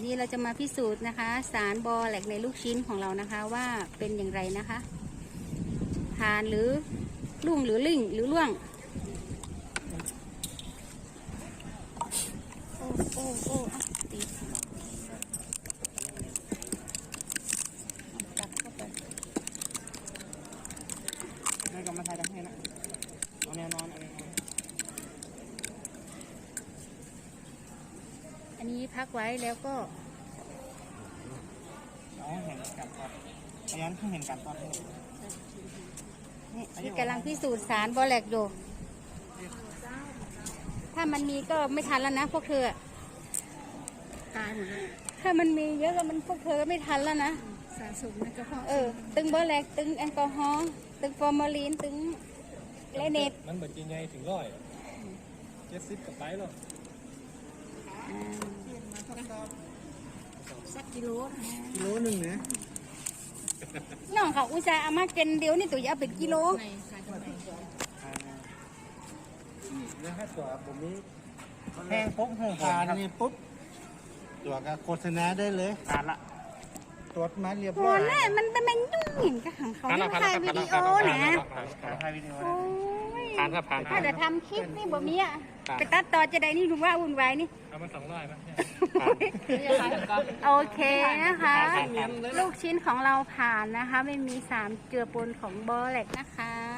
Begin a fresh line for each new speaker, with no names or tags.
นี้เราจะมาพิสูจน์นะคะ สารบอแหลกในลูกชิ้นของเรานะคะว่าเป็นอย่างไรนะคะผ่านหรือลุ่งหรือลิ่งหรือล่วงโอ้ตีตักเข้าไป
ไม่กำมาทายกันให้นะเอาแนวนอนอะไร
อันนี้พักไว้แล้วก็
เห็นกันก่อนพยานเห็นกันก่อน
นี่กำลังพิสูจน์สารบอแหลกอยู่ถ้ามันมีก็ไม่ทันแล้วนะพวกเธอ
ตายหมดเลย
ถ้ามันมีเยอะก็มันพวกเธอไม่ทันแล้วนะ
สะสมในกระเพาะ
ตึงบอแหลกตึงแอลกอฮอล์ตึงฟอร์มาลีนตึงเลเนต
มันเหมือนกินไงถึง170กับไปหรอก
สักกิโล
หนึ่งนะ
น้องเขาอุตส่าห์เอามาเกินเดียวนี่ตัวจะเอาเป็นกิโล
ในขายตรงไหน
แล้วถ้าตัวผมนี้แห้งปุ๊บแห้งทานนี่ปุ๊บตัวก็โฆษณาได้เลยทานละตัวมาเรียบร้อย
แล้วมันเป็นยุ่งเห็นกับของเขาไม่ถ่ายวิดีโอนะ
ถ่ายวิดีโอ
ผ่านครับผ่าน
ถ้าจะทำคลิปนี่บ่มีอ่ะไปตัดต่อจะได้นี่ดูว่าวุ่นวายนี่
เอามา200ไหม
โอเคนะคะลูกชิ้นของเราผ่านนะคะไม่มีสารเจือปนของบอแหลกนะคะ